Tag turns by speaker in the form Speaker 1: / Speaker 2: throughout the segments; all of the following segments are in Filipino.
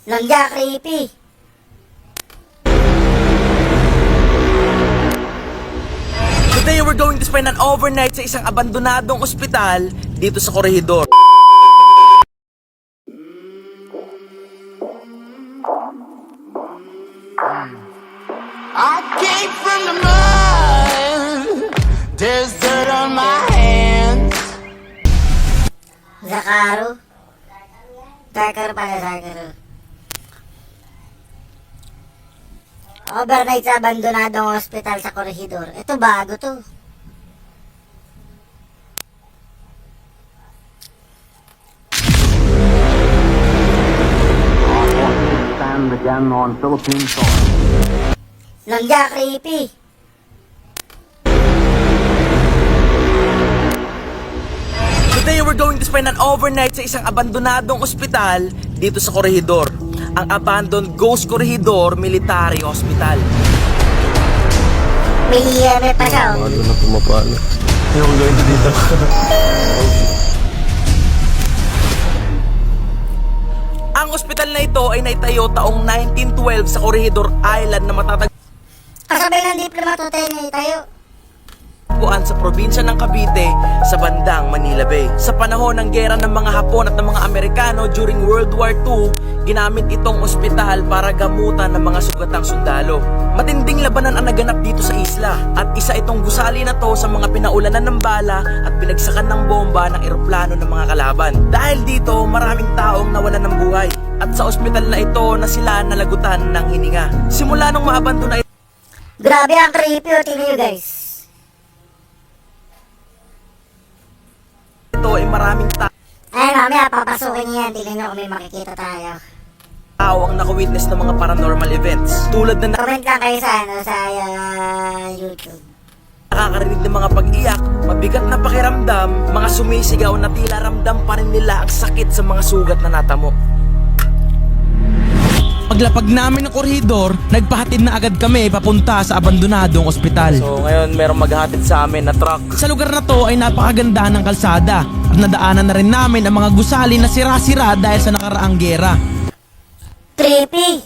Speaker 1: Langya, creepy.
Speaker 2: Today we're going to spend an overnight sa isang abandonadong ospital dito sa Corregidor.
Speaker 3: I came from the mud. There's dirt on my hands.
Speaker 1: Zakaru. Zakaru pala, Zakaru. Overnight sa abandonadong hospital sa Corregidor. Ito bago to.
Speaker 4: Stand again on Philippine soil.
Speaker 1: Langya, creepy.
Speaker 2: Today we're going to spend an overnight sa isang abandonadong ospital dito sa Corregidor. Ang Abandoned Ghost Corregidor Military Hospital.
Speaker 1: May EMF pa siya. Oh.
Speaker 5: Ano na pumapalo. Ayoko gawin ito dito.
Speaker 2: Ang ospital na ito ay naitayo taong 1912 sa Corregidor Island na matatagpuan
Speaker 1: Kasabay ng diplomat hotel na tayo.
Speaker 2: sa probinsya ng Cavite sa bandang Manila Bay. Sa panahon ng gera ng mga Hapon at ng mga Amerikano during World War II, ginamit itong ospital para gamutan ng mga sugatang sundalo. Matinding labanan ang naganap dito sa isla at isa itong gusali na to sa mga pinaulanan ng bala at pinagsakan ng bomba ng eroplano ng mga kalaban. Dahil dito, maraming taong nawalan ng buhay at sa ospital na ito na sila nalagutan ng hininga. Simula nung maabandona
Speaker 1: Grabe ang creepy. O, tingnan nyo guys.
Speaker 2: ito ay maraming
Speaker 1: Ay, mamaya papasukin niya yan. Tingnan nyo kung may makikita tayo.
Speaker 2: tao ang nakawitness ng mga paranormal events tulad na
Speaker 1: Comment lang kayo sa, YouTube.
Speaker 2: nakakarinig ng mga pag-iyak, mabigat na pakiramdam, mga sumisigaw na tila ramdam pa rin nila ang sakit sa mga sugat na natamo. Paglapag namin ng Corregidor, nagpahatid na agad kami papunta sa abandonadong ospital. So ngayon merong maghahatid sa amin na truck. Sa lugar na to ay napakaganda ng kalsada at nadaanan na rin namin ang mga gusali na sira-sira dahil sa nakaraang gera.
Speaker 1: Creepy.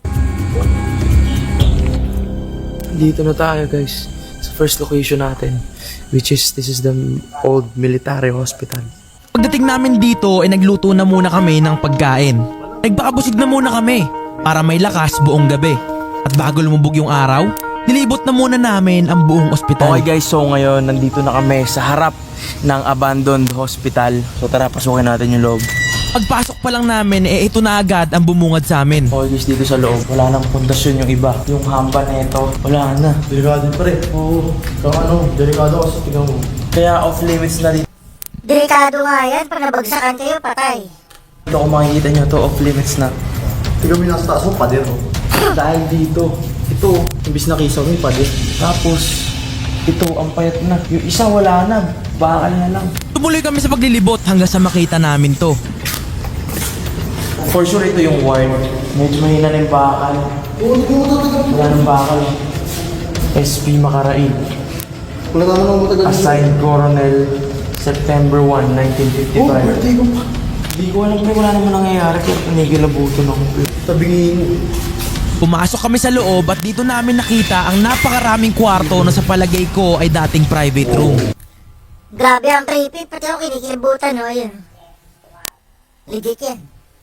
Speaker 5: Dito na tayo guys. Sa first location natin. Which is, this is the old military hospital.
Speaker 2: Pagdating namin dito ay nagluto na muna kami ng pagkain. Nagpakabusig na muna kami para may lakas buong gabi. At bago lumubog yung araw, nilibot na muna namin ang buong ospital. Okay guys, so ngayon nandito na kami sa harap ng abandoned hospital. So tara, pasukin natin yung loob. Pagpasok pa lang namin, ito na agad ang bumungad sa amin. Okay guys, dito sa loob, wala nang pundasyon yung iba. Yung hamba na ito, wala na.
Speaker 5: Delikado pa rin. Oo. Delikado kasi tingnan mo.
Speaker 2: Kaya off limits na dito.
Speaker 1: Delikado nga yan. Pag nabagsakan kayo, patay.
Speaker 2: Ito kung makikita nyo to, off limits na.
Speaker 5: Tingnan mo yung nasa taas mo, pader mo.
Speaker 2: Dahil dito, ito,
Speaker 5: Imbis na kisaw mo yung pader.
Speaker 2: tapos, ito, ang payat na. Yung isa wala na, bakal na lang. Tumuloy kami sa paglilibot hanggang sa makita namin to. For sure, ito yung ward. Medyo mahina na yung bakal. Wala nang bakal. SP Makaraig.
Speaker 5: Wala naman ang matagal.
Speaker 2: Assigned Coronel, September 1, 1955. Hindi ko alam, wala naman nangyayari pero panigilabuto na ako.
Speaker 5: Tabingin.
Speaker 2: Pumasok kami sa loob at dito namin nakita ang napakaraming kwarto na sa palagay ko ay dating private room.
Speaker 1: Grabe ang creepy. Pati ako kinikibutan, no? Ayun. Legit yan.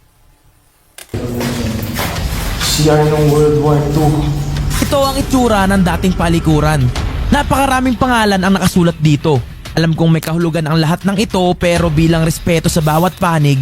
Speaker 2: CR ng World War II. Ito ang itsura ng dating palikuran. Napakaraming pangalan ang nakasulat dito. Alam kong may kahulugan ang lahat ng ito pero bilang respeto sa bawat panig,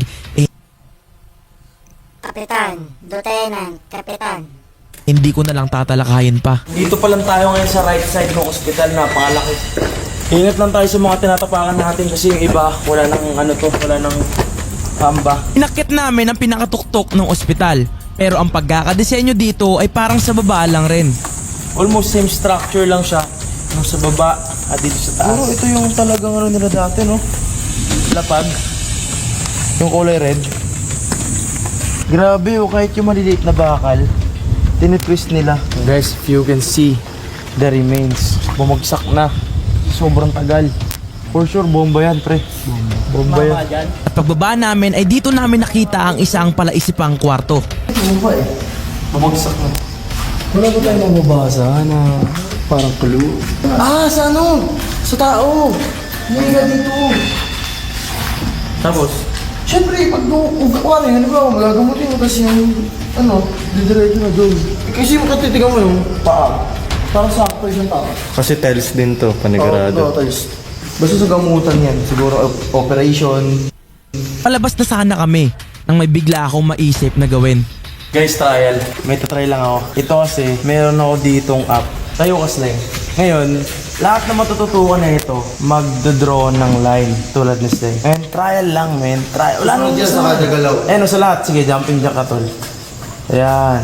Speaker 1: Kapitan, Lieutenant, Kapitan.
Speaker 2: hindi ko na lang tatalakayin pa. Dito pa lang tayo ngayon sa right side ng ospital, napakalaki. Ingat lang tayo sa mga tinatapakan natin kasi yung iba, wala nang wala nang hamba. Inakit namin ang pinakatuktok ng ospital. Pero ang pagkakadesenyo dito ay parang sa baba lang rin. Almost same structure lang siya. Yung sa baba at dito sa taas.
Speaker 5: Pero ito yung talagang nila dati, no?
Speaker 2: Lapag.
Speaker 5: Yung kulay red. Grabe, oh, kahit yung maliliit na bakal, tinitwist nila.
Speaker 2: Guys, if you can see the remains, bumagsak na. Sobrang tagal.
Speaker 5: For sure, bomba yan, pre. Bomba. Bomba yan.
Speaker 2: At pagbaba namin ay dito namin nakita ang isang palaisipang kwarto.
Speaker 5: Bomba eh. Bumagsak na. Wala ba tayo mababasa na parang clue? Ah, sa ano? Sa tao. Hindi nga dito. Tapos? Siyempre, pag ano ba, magagamutin mo kasi yung, didiretso na doon. Kasi yung katitigan mo yung paa. Parang sakto yung tao.
Speaker 6: Kasi tiles din to, panigurado.
Speaker 5: Basta sa gamutan yan. Siguro operation.
Speaker 2: Palabas na sana kami nang may bigla akong maisip na gawin.
Speaker 5: Guys, trial. May tatry lang ako. Ito kasi, meron ako ditong app. Tayo ka slang. Ngayon, lahat na matututukan na ito, magdodraw ng line tulad ni Slang. And trial lang, men. Trial. Wala nang
Speaker 6: Sa kada galaw.
Speaker 5: sa lahat. Sige, jumping jack ka, tol. Ayan.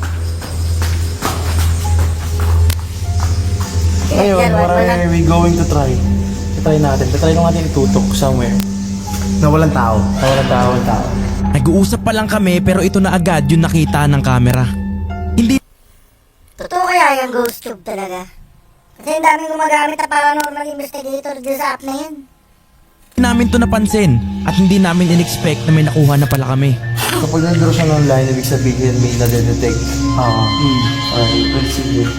Speaker 5: Ngayon, what are we going to try? Try natin. Try natin itutok somewhere. Na walang tao. Walang tao.
Speaker 2: Nag-uusap pa lang kami pero ito na agad yung nakita ng camera. Hindi
Speaker 1: Totoo kaya yung ghost tube talaga? Kasi ang daming gumagamit na paranormal investigator dyan sa app na yun.
Speaker 2: namin to napansin at hindi namin in-expect na may nakuha na pala kami.
Speaker 5: Kapag nag-draw siya ng line, ibig sabihin may nade-detect. Alright, let's see here.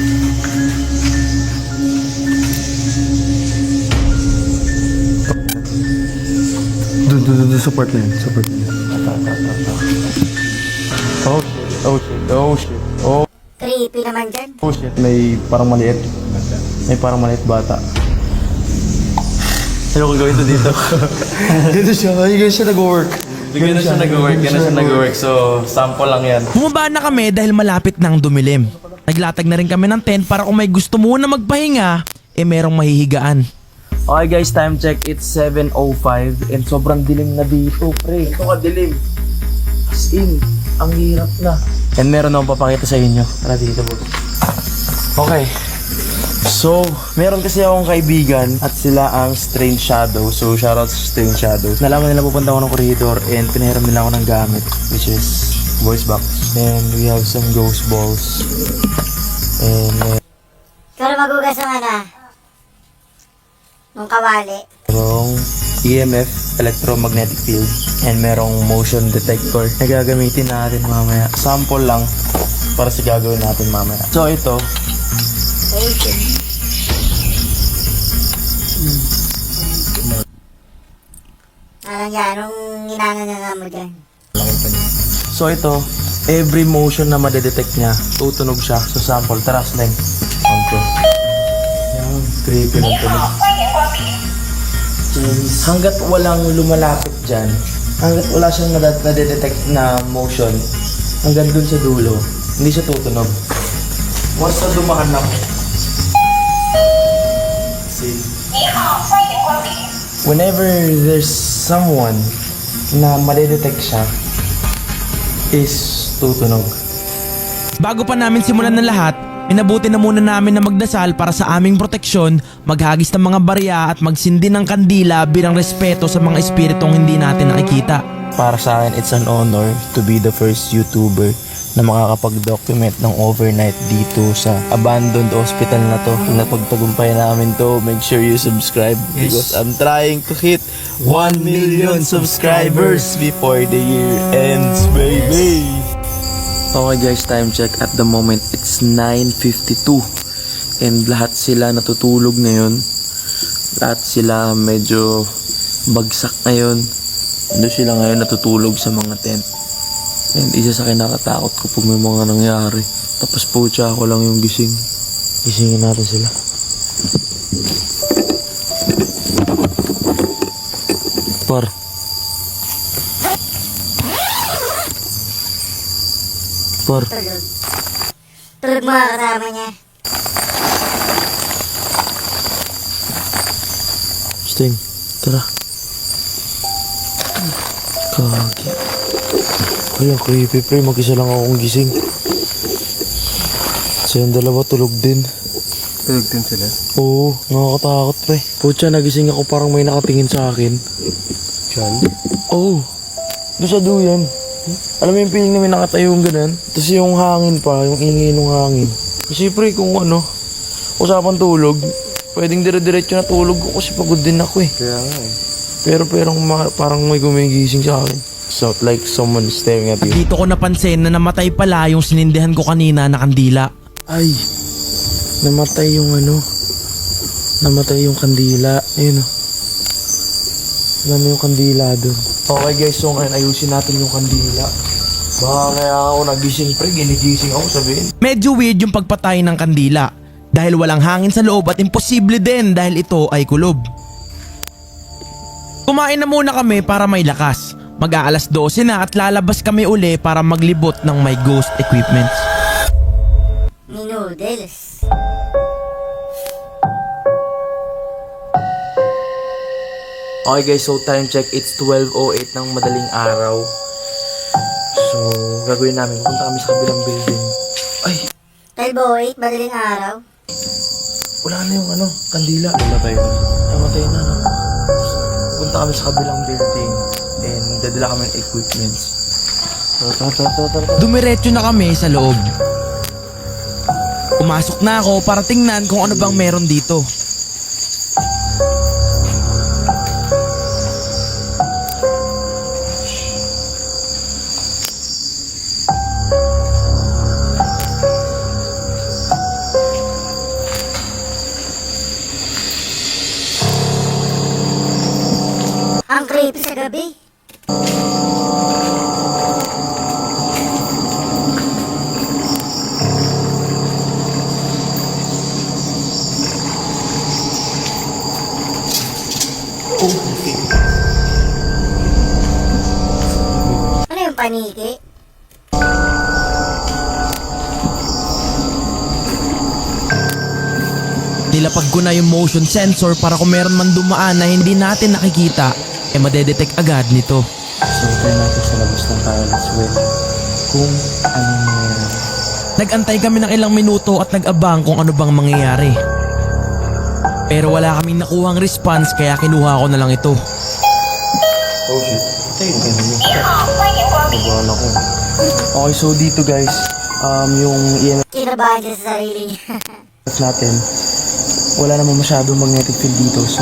Speaker 5: Doon, support na yun. Support na yun. Oh shit.
Speaker 1: Creepy naman dyan.
Speaker 5: Oh shit, may parang maliit. May parang maliit bata. Ano ko gawin to dito? Dito siya, ganyan siya nag-work. Ganyan siya nag-work. So, sample lang yan.
Speaker 2: Bumaba na kami dahil malapit nang dumilim. Naglatag na rin kami ng tent para kung may gusto muna magpahinga, merong mahihigaan.
Speaker 5: Okay guys, time check. It's 7:05 and sobrang dilim na dito, pre. Ito ka dilim. As in, ang hirap na. And meron akong papakita sa inyo. Tara dito, boss. Okay. So, meron kasi akong kaibigan at sila ang Strange Shadow. So, shoutout sa Strange Shadow. Nalaman nila pupunta ako ng corridor and pinahiram nila ako ng gamit, which is voice box. And we have some ghost balls. And
Speaker 1: Ikaw na magugas ng nung kawali.
Speaker 5: merong EMF, electromagnetic field, and merong motion detector na gagamitin natin mamaya. Sample lang para sa gagawin natin mamaya. So, ito,
Speaker 1: Alang yan, nung inangananga mo dyan.
Speaker 5: So ito, every motion na madedetect niya, tutunog siya. So sample, tara slang. Okay. Yan, creepy ng tunog. Hanggat walang lumalapit dyan, hanggat wala siyang nadedetect na motion, hanggang dun sa dulo, hindi siya tutunog. Once na dumahanap, see? Whenever there's someone na madedetect siya, is tutunog.
Speaker 2: Bago pa namin simulan ng lahat, minabuti na muna namin na magdasal para sa aming proteksyon, maghagis ng mga barya at magsindi ng kandila bilang respeto sa mga espiritong hindi natin nakikita.
Speaker 5: Para sa akin, it's an honor to be the first YouTuber na makakapag-document ng overnight dito sa abandoned hospital na to. Kung napagtagumpay namin to, make sure you subscribe because I'm trying to hit 1 million subscribers before the year ends, baby! Okay guys, time check. At the moment, it's 9:52 and lahat sila natutulog ngayon. Lahat sila medyo bagsak ngayon. Doon sila ngayon natutulog sa mga tent. And isa sa kinakatakot ko pag may mga nangyari. Tapos pucha ako lang yung gising. Gisingin natin sila. Par.
Speaker 1: Tulog. Tulog mga kasama niya.
Speaker 5: Sting, tara. Kagi. Ay, ang creepy pre. Mag-isa lang akong gising. So yung dalawa tulog din.
Speaker 6: Tulog din sila.
Speaker 5: Oo, nakakatakot pre. Pucha, nagising ako parang may nakatingin sa akin.
Speaker 6: Diyan?
Speaker 5: Oo. Doon sa duyan. Alam mo yung feeling na may nakatayong ganun? Tapos yung hangin pa, yung ingay ng hangin. Kasi pre, kung ano, usapan tulog, pwedeng dire-diretso na tulog ko kasi pagod din ako eh.
Speaker 6: Kaya nga eh.
Speaker 5: Pero parang may gumigising sa akin. So, like someone staring at
Speaker 2: At
Speaker 5: you.
Speaker 2: dito ko napansin na namatay pala yung sinindihan ko kanina na kandila.
Speaker 5: Ay, namatay yung namatay yung kandila. Ayun o. Wala na yung kandila doon. Okay guys, so ngayon ayusin natin yung kandila. Baka kaya ako nagising pre, ginigising ako sabihin.
Speaker 2: Medyo weird yung pagpatay ng kandila dahil walang hangin sa loob at imposible din dahil ito ay kulob. Kumain na muna kami para may lakas. Mag-aalas 12 na at lalabas kami uli para maglibot ng may ghost equipment.
Speaker 1: Ni noodles.
Speaker 5: Okay guys, so time check, it's 12:08 ng madaling araw. So, gagawin namin, pupunta kami sa kabilang building. Ay,
Speaker 1: 12:08, madaling araw.
Speaker 5: wala na yung kandila. Namatay na. Namatay na, no? So, punta kami sa kabilang building. Then, dadala kami ng equipments. Tara.
Speaker 2: Dumiretso na kami sa loob. Pumasok na ako para tingnan kung ano bang meron dito.
Speaker 1: Ang creepy sa gabi. Ano yung paniki?
Speaker 2: Nilapag ko na yung motion sensor para kung meron man dumaan na hindi natin nakikita, madedetect agad nito.
Speaker 5: So, try natin sa labas ng toilets with kung anong meron.
Speaker 2: Nag-antay kami ng ilang minuto at nag-abang kung ano bang mangyayari. Pero wala kaming nakuhang response kaya kinuha ko na lang ito.
Speaker 5: Oh shit. Okay na yun. Nabahan ako. Okay, so dito guys, yung EMF
Speaker 1: Kinabahan siya sa sarili niya.
Speaker 5: natin, wala namang masyadong magnetic field dito. So,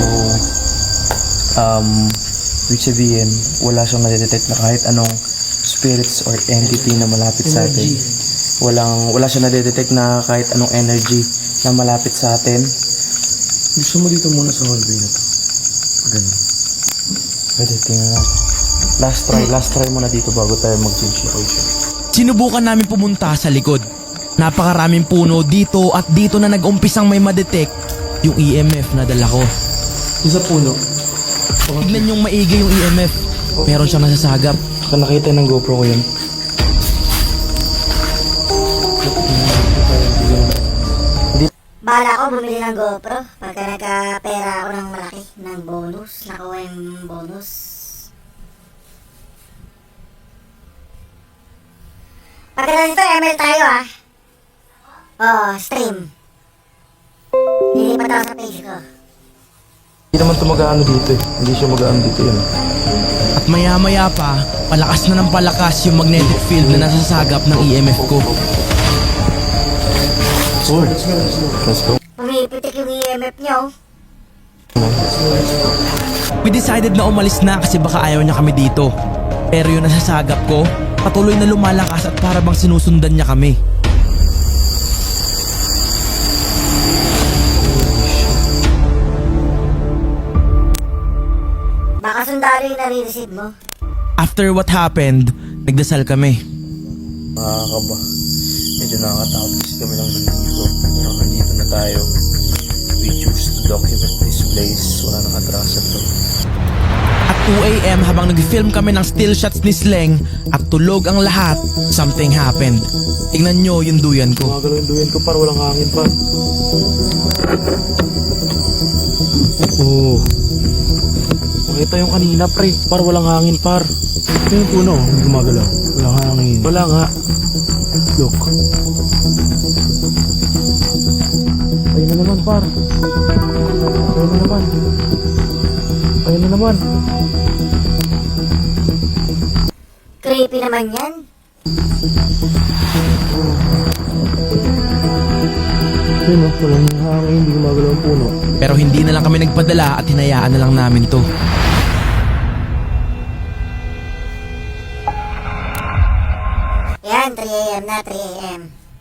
Speaker 5: which sabihin, wala siyang nadedetect na kahit anong spirits or entity na malapit sa atin. Wala siyang nadedetect na kahit anong energy na malapit sa atin. Gusto mo dito muna sa hallway na to? Ganun. Pwede, tingnan natin. Last try muna dito bago tayo mag-change location.
Speaker 2: Sinubukan namin pumunta sa likod. Napakaraming puno dito at dito na nag-umpisang may madetect yung EMF na dala ko.
Speaker 5: Isa puno.
Speaker 2: Tignan yung maigi yung EMF. Meron siyang nasasagap.
Speaker 5: Baka nakita ng GoPro ko yun.
Speaker 1: Bahala ko bumili ng GoPro pagka nagka-pera ako ng malaki ng bonus. Nakuha yung bonus. Pagkatapos ito, ML tayo stream. Lilipat ako sa page ko.
Speaker 5: Hindi naman ito mag-aano dito eh. Hindi siya mag-aano dito yun.
Speaker 2: At maya-maya pa, palakas na ng palakas yung magnetic field na nasasagap ng EMF ko.
Speaker 5: Let's go.
Speaker 1: Pumipitik yung EMF niyo.
Speaker 2: We decided na umalis na kasi baka ayaw niya kami dito. Pero yung nasasagap ko, patuloy na lumalakas at para bang sinusundan niya kami.
Speaker 1: Baka sundalo yung nare-receive mo.
Speaker 2: After what happened, nagdasal kami.
Speaker 5: Nakakaba. Medyo nakakatakot kasi kami lang nandito. Pero nandito na tayo. We choose to document this place. Wala nang atrasan to.
Speaker 2: At 2 AM habang nag-film kami ng still shots ni Sleng at tulog ang lahat, something happened. Tingnan nyo yung duyan ko.
Speaker 5: Magalaw yung duyan ko par. Walang hangin par. Oh. Makita yung kanina pre. Par walang hangin par. Ito yung puno. Gumagalaw. Walang hangin. Wala nga. Look. Ayun na naman par. Ayun na naman. Ayun na naman.
Speaker 1: Creepy naman yan.
Speaker 5: Ayun o. Walang hangin. Hindi gumagalaw ang puno.
Speaker 2: Pero hindi na lang kami nagpadala at hinayaan na lang namin to.
Speaker 1: Yan, 3 a.m. na, 3 a.m.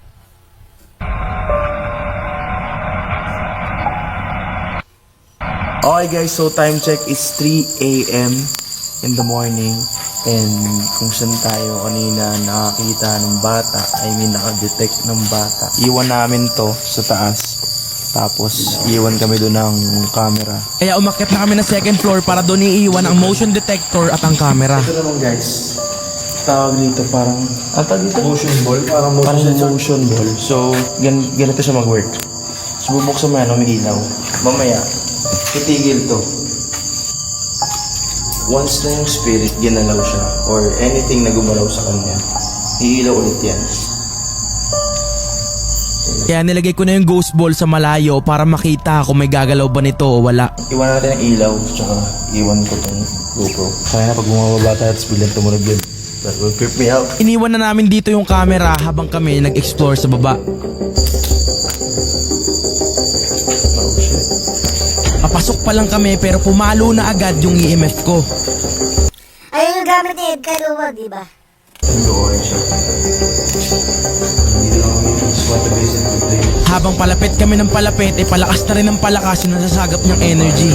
Speaker 5: Okay guys, so time check is 3 a.m. in the morning. And kung saan tayo kanina nakakita ng bata, nakadetect ng bata. Iwan namin to sa taas. Tapos iwan kami doon ng camera.
Speaker 2: Kaya umakyat na kami ng second floor para doon iiwan ang motion detector at ang camera.
Speaker 5: Ito naman guys, tawag dito parang, dito? Motion ball? Parang motion ball. So, ganito siya mag-work. So, bubuksan mo yan, umiilaw. Mamaya, titigil to. Once na yung spirit ginalaw siya, or anything na gumalaw sa kanya, iilaw ulit yan.
Speaker 2: Kaya nilagay ko na yung ghost ball sa malayo para makita kung may gagalaw ba nito o wala.
Speaker 5: Iwan natin ang ilaw, tsaka iwan ko tong GoPro. Kaya na pag bumababa tayo, tapos biglang tumunog yun. That will creep me out.
Speaker 2: Iniwan na namin dito yung camera habang kami nag-explore sa baba.
Speaker 5: Oh shit.
Speaker 2: Papasok pa lang kami pero pumalo na agad yung EMF ko.
Speaker 1: Ayun yung gamit ni Edgar Luwag, di ba?
Speaker 5: Nag-orange siya. Hindi lang kami just want to visit the place.
Speaker 2: Habang palapit kami ng palapit, palakas na rin ng palakas yung nasasagap niyang energy.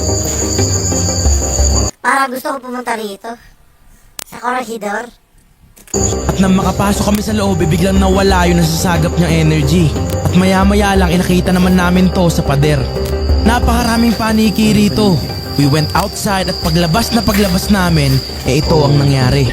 Speaker 1: Para gusto ko pumunta rito. Sa Corregidor.
Speaker 2: At nang makapasok kami sa loob, biglang nawala yung nasasagap niyang energy. At maya-maya lang inakita naman namin to sa pader. Napakaraming paniki rito. We went outside at paglabas namin, ito ang nangyari.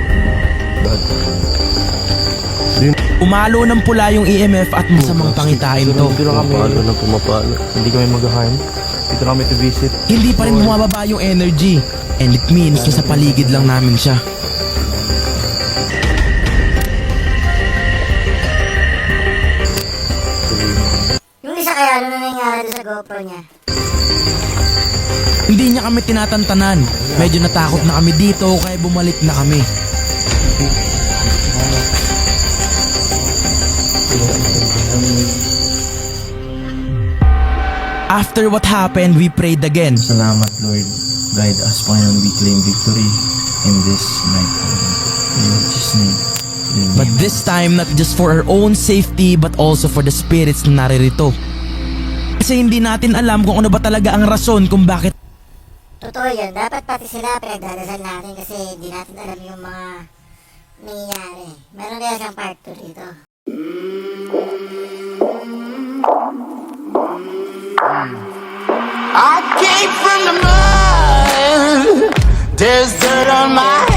Speaker 2: Umalo ng pula yung EMF at masamang pangitain to.
Speaker 5: Dito lang kami.
Speaker 6: Pumapalo.
Speaker 5: Hindi kami mag-harm. Dito kami to visit.
Speaker 2: Hindi pa rin bumababa yung energy. And it means na sa paligid lang namin siya.
Speaker 1: Yung isa kaya, ano na nangyari doon sa GoPro niya?
Speaker 2: Hindi niya kami tinatantanan. Medyo natakot na kami dito kaya bumalik na kami. After what happened, we prayed again.
Speaker 5: Salamat Lord. Guide us, Panginoon. We claim victory in this night. In Jesus' name. Amen.
Speaker 2: But this time, not just for our own safety, but also for the spirits na naririto. Kasi hindi natin alam kung ano ba talaga ang rason kung bakit
Speaker 1: Totoo yun. Dapat pati sila pinagdadasal natin kasi hindi natin alam yung mga nangyayari. Meron kaya siyang part 2 dito.
Speaker 3: I came from the mud. There's dirt on my